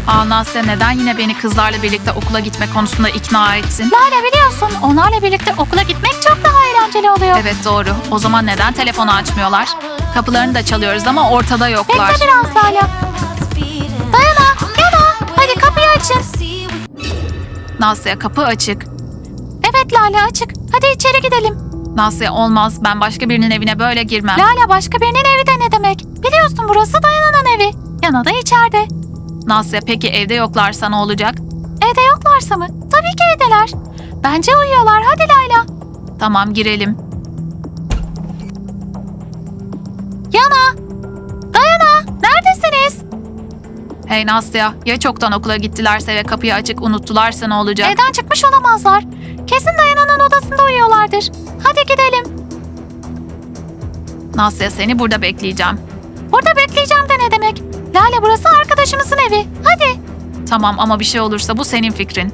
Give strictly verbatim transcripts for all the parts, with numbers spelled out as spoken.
Aa Nasya, neden yine beni kızlarla birlikte okula gitme konusunda ikna etsin? Lale, biliyorsun onlarla birlikte okula gitmek çok daha eğlenceli oluyor. Evet doğru. O zaman neden telefonu açmıyorlar? Kapılarını da çalıyoruz ama ortada yoklar. Bekle biraz Lale. Dayana, Yana, hadi kapıyı açın. Nasya, kapı açık. Evet Lale, açık. Hadi içeri gidelim. Nasya, olmaz. Ben başka birinin evine böyle girmem. Lale, başka birinin evi de ne demek? Biliyorsun burası Dayana'nın evi. Yana da içeride. Nasya, peki evde yoklarsa ne olacak? Evde yoklarsa mı? Tabii ki evdeler. Bence uyuyorlar. Hadi Layla. Tamam, girelim. Yana! Dayana! Neredesiniz? Hey Nasya, ya çoktan okula gittilerse ve kapıyı açık unuttularsa ne olacak? Evden çıkmış olamazlar. Kesin Dayana'nın odasında uyuyorlardır. Hadi gidelim. Nasya, seni burada bekleyeceğim. Burada bekleyeceğim de ne demek? Lale, burası arkadaşımızın evi. Hadi. Tamam ama bir şey olursa bu senin fikrin.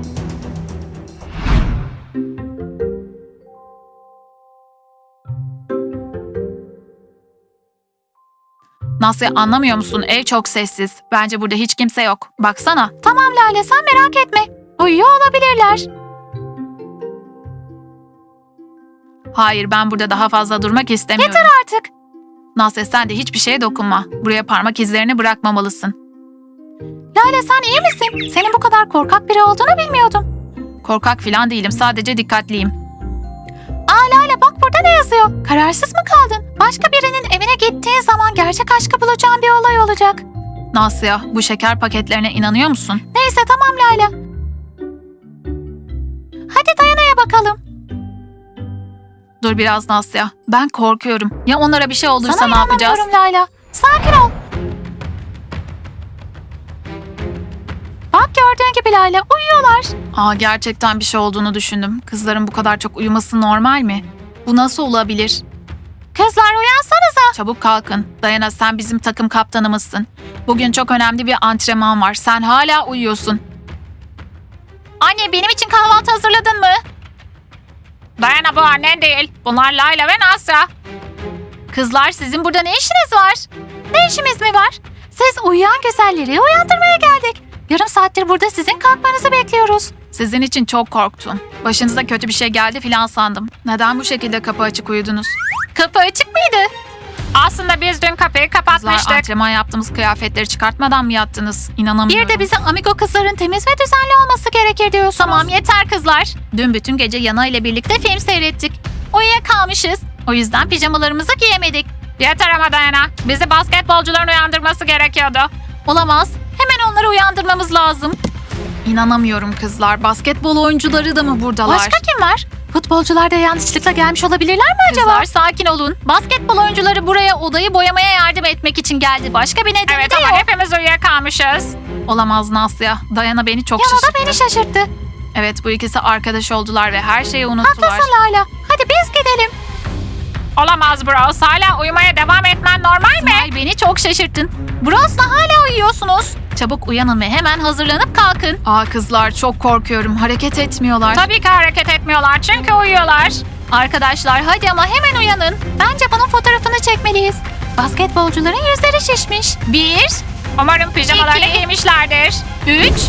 Nasya, anlamıyor musun? Ev çok sessiz. Bence burada hiç kimse yok. Baksana. Tamam Lale, sen merak etme. Uyuyor olabilirler. Hayır, ben burada daha fazla durmak istemiyorum. Yeter artık. Nasya, sen de hiçbir şeye dokunma. Buraya parmak izlerini bırakmamalısın. Lale, sen iyi misin? Senin bu kadar korkak biri olduğunu bilmiyordum. Korkak falan değilim. Sadece dikkatliyim. Aa Lale, bak burada ne yazıyor? Kararsız mı kaldın? Başka birinin evine gittiğin zaman gerçek aşkı bulacağın bir olay olacak. Nasya, bu şeker paketlerine inanıyor musun? Neyse tamam Layla. Hadi Dayana'ya bakalım. Dur biraz Nasya. Ben korkuyorum. Ya onlara bir şey olursa Sana ne yapacağız? inanamıyorum Layla. Sakin ol. Bak gördüğün gibi Layla, uyuyorlar. Aa, gerçekten bir şey olduğunu düşündüm. Kızların bu kadar çok uyuması normal mi? Bu nasıl olabilir? Kızlar, uyansanıza. Çabuk kalkın. Dayana, sen bizim takım kaptanımızsın. Bugün çok önemli bir antrenman var. Sen hala uyuyorsun. Anne, benim için kahvaltı hazırladın mı? Dayana, bu annen değil. Bunlar Layla ve Nasya. Kızlar, sizin burada ne işiniz var? Ne işimiz mi var? Siz uyuyan güzelleri uyandırmaya geldik. Yarım saattir burada sizin kalkmanızı bekliyoruz. Sizin için çok korktum. Başınıza kötü bir şey geldi filan sandım. Neden bu şekilde kapı açık uyudunuz? Kapı açık mıydı? Aslında biz dün kapıyı kapatmıştık. Kızlar, antrenman yaptığımız kıyafetleri çıkartmadan mı yattınız? İnanamıyorum. Bir de bize amigo kızların temiz ve düzenli olması gerekir diyorsunuz. Tamam, yeter kızlar. Dün bütün gece Yana ile birlikte film seyrettik. Uyuyakalmışız. O yüzden pijamalarımızı giyemedik. Yeter ama Dayana. Bizi basketbolcuların uyandırması gerekiyordu. Olamaz. Hemen onları uyandırmamız lazım. İnanamıyorum kızlar. Basketbol oyuncuları da mı buradalar? Başka kim var? Futbolcular da yanlışlıkla gelmiş olabilirler mi acaba? Kızlar, sakin olun. Basketbol oyuncuları buraya odayı boyamaya yardım etmek için geldi. Başka bir nedeni Evet de ama yok. hepimiz uyuyakalmışız. Olamaz Nasya. Dayana beni çok Yana şaşırttı. da beni şaşırttı. Evet, bu ikisi arkadaş oldular ve her şeyi unuttular. Haklısın Layla. Hadi biz gidelim. Olamaz Bros. Hala uyumaya devam etmen normal mi? Ay, beni çok şaşırttın. Bros'la hala uyuyorsunuz. Çabuk uyanın ve hemen hazırlanıp kalkın. Aa kızlar, çok korkuyorum. Hareket etmiyorlar. Tabii ki hareket etmiyorlar çünkü uyuyorlar. Arkadaşlar hadi ama hemen uyanın. Bence bunun fotoğrafını çekmeliyiz. Basketbolcuların yüzleri şişmiş. Bir. Umarım pijamalarını İki. giymişlerdir. Üç.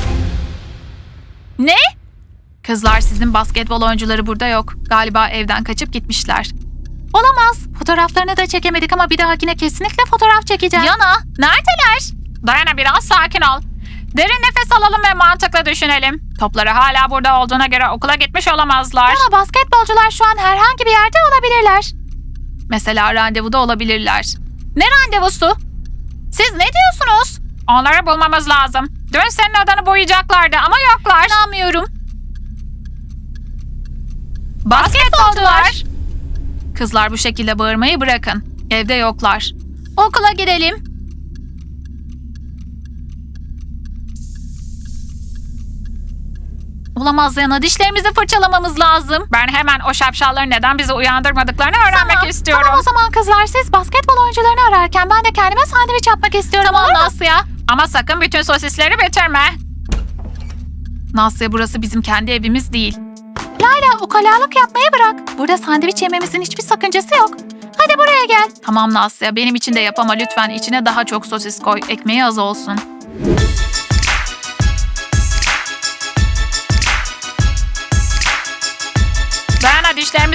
Ne? Kızlar, sizin basketbol oyuncuları burada yok. Galiba evden kaçıp gitmişler. Olamaz. Fotoğraflarını da çekemedik ama bir dahakine kesinlikle fotoğraf çekeceğim. Yana, neredeler? Dayana, biraz sakin ol. Derin nefes alalım ve mantıklı düşünelim. Topları hala burada olduğuna göre okula gitmiş olamazlar. Yana, basketbolcular şu an herhangi bir yerde olabilirler. Mesela randevuda olabilirler. Ne randevusu? Siz ne diyorsunuz? Onları bulmamız lazım. Dün senin odanı boyayacaklardı ama yoklar. İnanmıyorum. Basketbolcular! Kızlar, bu şekilde bağırmayı bırakın. Evde yoklar. Okula gidelim. Olamaz Yana, dişlerimizi fırçalamamız lazım. Ben hemen o şapşalların neden bizi uyandırmadıklarını öğrenmek Tamam, istiyorum. Tamam o zaman kızlar, siz basketbol oyuncularını ararken ben de kendime sandviç yapmak istiyorum. Tamam olur mu? Nasya. Ama sakın bütün sosisleri bitirme. Nasya, burası bizim kendi evimiz değil. Layla, ukalalık yapmayı bırak. Burada sandviç yememizin hiçbir sakıncası yok. Hadi buraya gel. Tamam Nasya, benim için de yap ama lütfen içine daha çok sosis koy. Ekmeği az olsun.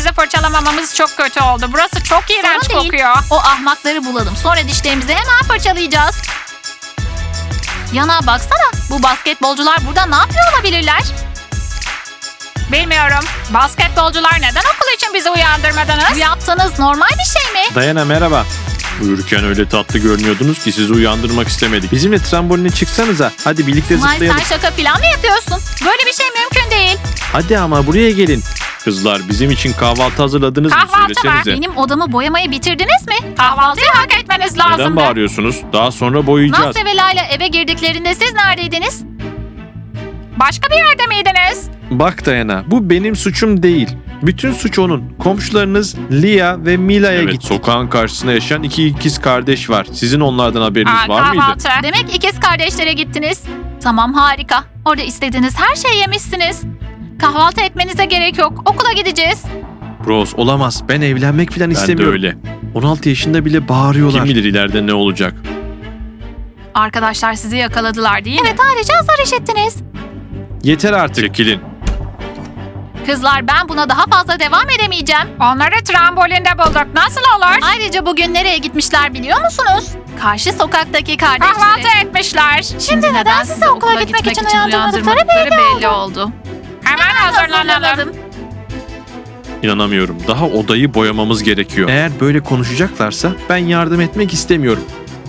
dişlerimizi fırçalamamamız çok kötü oldu. Burası çok iğrenç değil. kokuyor. O ahmakları bulalım. Sonra dişlerimizi hemen fırçalayacağız. Yana baksana. Bu basketbolcular burada ne yapıyor olabilirler? Bilmiyorum. Basketbolcular neden okul için bizi uyandırmadınız? Bu yaptığınız normal bir şey mi? Dayana merhaba. Uyurken öyle tatlı görünüyordunuz ki sizi uyandırmak istemedik. Bizimle tramboline çıksanıza. Hadi birlikte Smile, zıplayalım. sen şaka falan mı yapıyorsun? Böyle bir şey mümkün değil. Hadi ama buraya gelin. Kızlar bizim için kahvaltı hazırladınız mı? Kahvaltı var. Söylesenize. Benim odamı boyamayı bitirdiniz mi? Kahvaltıyı hak etmeniz lazım. Neden bağırıyorsunuz? Daha sonra boyayacağız. Nasya ve Layla eve girdiklerinde siz neredeydiniz? Başka bir yerde miydiniz? Bak Dayana, bu benim suçum değil. Bütün suç onun. Komşularınız Lia ve Mila'ya Evet, gitti. Sokağın karşısında yaşayan iki ikiz kardeş var. Sizin onlardan haberiniz Aa, var mıydı? kahvaltı. Demek ikiz kardeşlere gittiniz. Tamam, harika. Orada istediğiniz her şeyi yemişsiniz. Kahvaltı etmenize gerek yok. Okula gideceğiz. Bros olamaz. Ben evlenmek falan Ben de istemiyorum. öyle. on altı yaşında bile bağırıyorlar. Kim bilir ileride ne olacak? Arkadaşlar sizi yakaladılar değil mi? Evet, ayrıca azar işittiniz. Yeter artık. Çekilin. Kızlar, ben buna daha fazla devam edemeyeceğim. Onları trambolinde bulduk. Nasıl olur? Ayrıca bugün nereye gitmişler biliyor musunuz? Karşı sokaktaki Kahvaltı kardeşleri. etmişler. Şimdi neden sizi okula gitmek için uyandırmadıkları belli oldu. Hemen hazırlanalım. Hazırlanalım. İnanamıyorum. Daha odayı boyamamız gerekiyor. Eğer böyle konuşacaklarsa ben yardım etmek istemiyorum.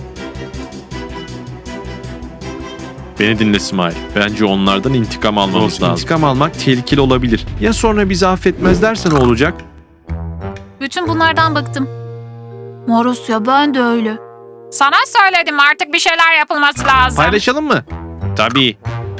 Beni dinle Smile. Bence onlardan intikam almamız Bros, lazım. intikam almak tehlikeli olabilir. Ya sonra bizi affetmezlerse ne olacak? Bütün bunlardan bıktım. Marusya, ben de öyle. Sana söyledim artık bir şeyler yapılması lazım. Paylaşalım mı? Tabii.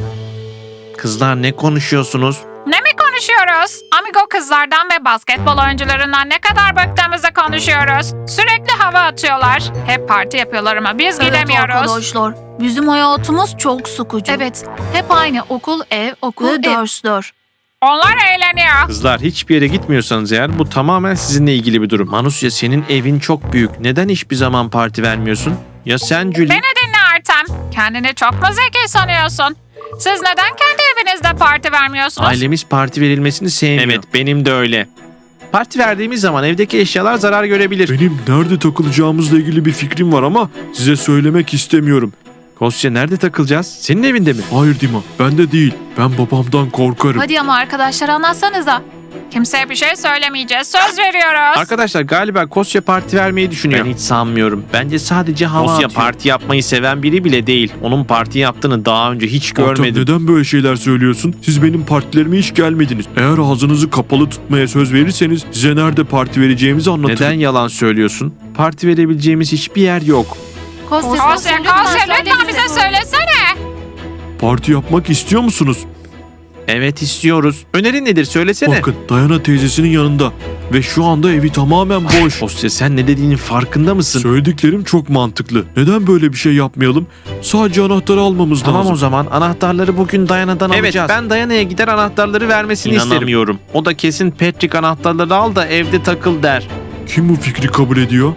Kızlar ne konuşuyorsunuz? Ne mi konuşuyoruz? Amigo kızlardan ve basketbol oyuncularından ne kadar bıktığımızı konuşuyoruz. Sürekli hava atıyorlar. Hep parti yapıyorlar ama biz gidemiyoruz. Evet arkadaşlar, bizim hayatımız çok sıkıcı. Evet, hep aynı okul, ev, okul, Ve dersler. Onlar eğleniyor. Kızlar hiçbir yere gitmiyorsanız eğer bu tamamen sizinle ilgili bir durum. Manusya senin evin çok büyük. Neden hiçbir zaman parti vermiyorsun? Ya sen Julie? Beni dinle Artem. Kendini çok mu zeki sanıyorsun? Siz neden kendi evinizde parti vermiyorsunuz? Ailemiz parti verilmesini sevmiyor. Evet benim de öyle. Parti verdiğimiz zaman evdeki eşyalar zarar görebilir. Benim nerede takılacağımızla ilgili bir fikrim var ama size söylemek istemiyorum. Kosya nerede takılacağız? Senin evinde mi? Hayır Dima, ben de değil. Ben babamdan korkarım. Hadi ama arkadaşlar, anlatsanıza. Kimseye bir şey söylemeyeceğiz. Söz veriyoruz. Arkadaşlar galiba Kosya parti vermeyi düşünüyor. Ben hiç sanmıyorum. Bence sadece hava Kosya atıyor. parti yapmayı seven biri bile değil. Onun parti yaptığını daha önce hiç Artem, görmedim. neden böyle şeyler söylüyorsun? Siz benim partilerime hiç gelmediniz. Eğer ağzınızı kapalı tutmaya söz verirseniz size nerede parti vereceğimizi anlatırım. Neden yalan söylüyorsun? Parti verebileceğimiz hiçbir yer yok. Kosya, Kosya, Kosya lütfen bize söylesene. Parti yapmak istiyor musunuz? Evet istiyoruz. Önerin nedir söylesene. Bakın Dayana teyzesinin yanında ve şu anda evi tamamen boş. Kosya sen ne dediğinin farkında mısın? Söylediklerim çok mantıklı. Neden böyle bir şey yapmayalım? Sadece anahtarı almamız Tamam lazım. o zaman anahtarları bugün Dayana'dan Evet, alacağız. ben Dayana'ya gider anahtarları vermesini İnanamıyorum. isterim. O da kesin Patrick anahtarları al da evde takıl der. Kim bu fikri kabul ediyor?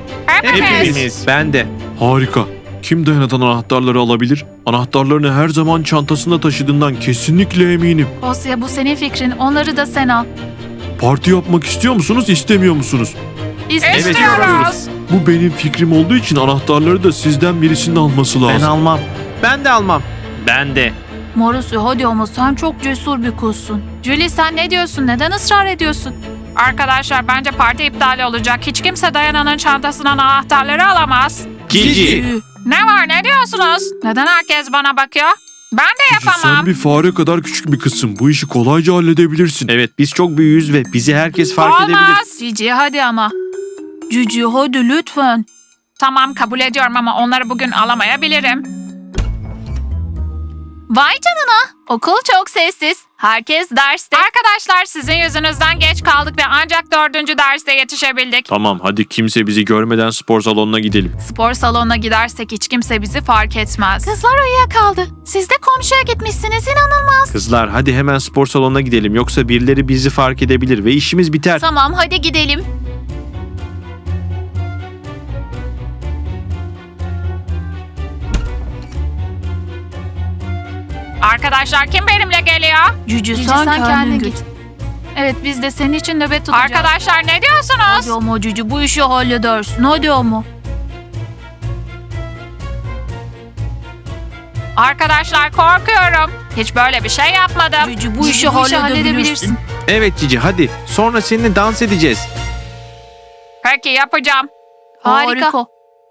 Hepimiz. Ben de. Harika. Kim Dayana'dan anahtarları alabilir? Anahtarlarını her zaman çantasında taşıdığından kesinlikle eminim. Kosya, bu senin fikrin. Onları da sen al. Parti yapmak istiyor musunuz, istemiyor musunuz? İstiyoruz. İstiyoruz. Bu benim fikrim olduğu için anahtarları da sizden birisinin alması Ben lazım. almam. Ben de almam. Ben de. Marusya, hadi ama sen çok cesur bir kuzsun. Julie, sen ne diyorsun? Neden ısrar ediyorsun? Arkadaşlar bence parti iptal olacak. Hiç kimse Dayana'nın çantasından anahtarları alamaz. Cici. Ne var ne diyorsunuz? Neden herkes bana bakıyor? Ben de Cici, yapamam. sen bir fare kadar küçük bir kızsın. Bu işi kolayca halledebilirsin. Evet biz çok büyüğüz ve bizi herkes fark edebilir. Olmaz. Cici, hadi ama. Cici, hadi lütfen. Tamam kabul ediyorum ama onları bugün alamayabilirim. Vay canına. Okul çok sessiz. Herkes derste. Arkadaşlar sizin yüzünüzden geç kaldık ve ancak dördüncü derste yetişebildik. Tamam, hadi kimse bizi görmeden spor salonuna gidelim. Spor salonuna gidersek hiç kimse bizi fark etmez. Kızlar uyuyakaldı. Siz de komşuya gitmişsiniz, inanılmaz. Kızlar hadi hemen spor salonuna gidelim. Yoksa birileri bizi fark edebilir ve işimiz biter. Tamam, hadi gidelim. Arkadaşlar kim benimle geliyor? Cici, sen, kendin git. Evet biz de senin için nöbet tutacağız. Arkadaşlar ne diyorsunuz? Hadi ama Cici bu işi halledersin. Hadi ama. Arkadaşlar korkuyorum. Hiç böyle bir şey yapmadım. Cici bu işi halledebilirsin. Evet Cici hadi. Sonra seninle dans edeceğiz. Peki yapacağım. Harika.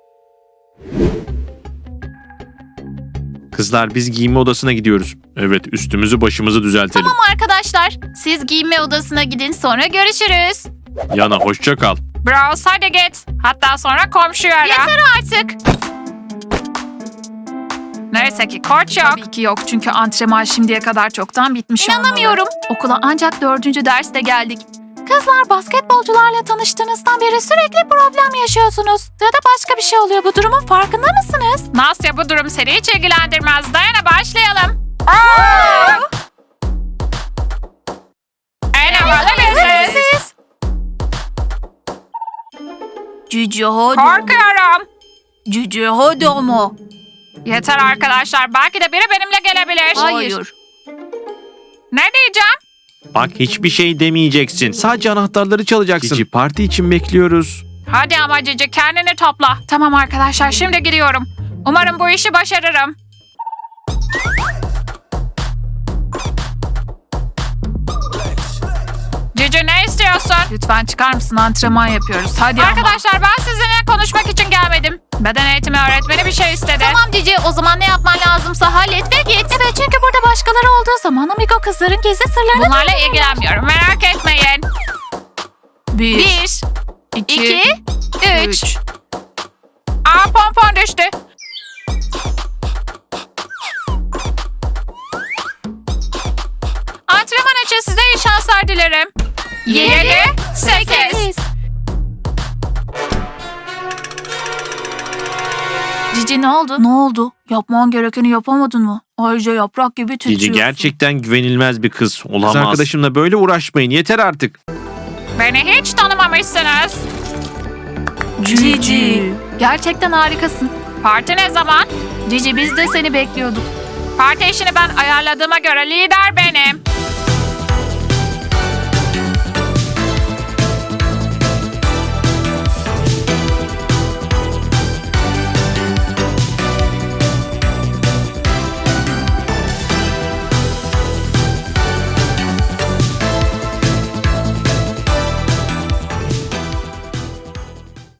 Kızlar biz giyinme odasına gidiyoruz. Evet, üstümüzü başımızı düzeltelim. Tamam arkadaşlar. Siz giyinme odasına gidin sonra görüşürüz. Yana hoşça kal. Bros hadi git. Hatta sonra komşuyu ara. Yeter artık. Neyse ki koç yok. Tabii ki yok çünkü antrenman şimdiye kadar çoktan bitmiş İnanamıyorum. Okula ancak dördüncü derste geldik. Kızlar basketbolcularla tanıştığınızdan beri sürekli problem yaşıyorsunuz. Ya da başka bir şey oluyor. Bu durumun farkında mısınız? Nasya bu durum seni hiç ilgilendirmez. Dayana başlayalım. En havalı biziz. Siz. Cici hadi. Korkuyorum. Cici hadi ama. Yeter arkadaşlar. Belki de biri benimle gelebilir. Hayır. Ne diyeceğim? Bak hiçbir şey demeyeceksin. Sadece anahtarları çalacaksın. Cici parti için bekliyoruz. Hadi ama Cici kendini topla. Tamam arkadaşlar şimdi giriyorum. Umarım bu işi başarırım. Cici ne istiyorsun? Lütfen çıkar mısın? Antrenman yapıyoruz. Hadi ama. Arkadaşlar ben sizinle konuşmak için gelmedim. Beden eğitimi öğretmeni bir şey istedi. Tamam Cici o zaman ne yapman lazımsa hallet ve git. Evet çünkü burada başkaları olduğu zaman Amigo kızların gizli sırlarını... Bunlarla ilgilenmiyorum merak etmeyin. Bir, Bir, iki, üç. üç. Aa pompon düştü. Antrenman için size iyi şanslar dilerim. Yedi, sekiz. Cici ne oldu? Ne oldu? Yapman gerekeni yapamadın mı? Ayrıca yaprak gibi titriyorsun. Cici gerçekten güvenilmez bir kız. Olamaz. Kız arkadaşımla böyle uğraşmayın. Yeter artık. Beni hiç tanımamışsınız. Cici. Gerçekten harikasın. Parti ne zaman? Cici biz de seni bekliyorduk. Parti işini ben ayarladığıma göre lider benim.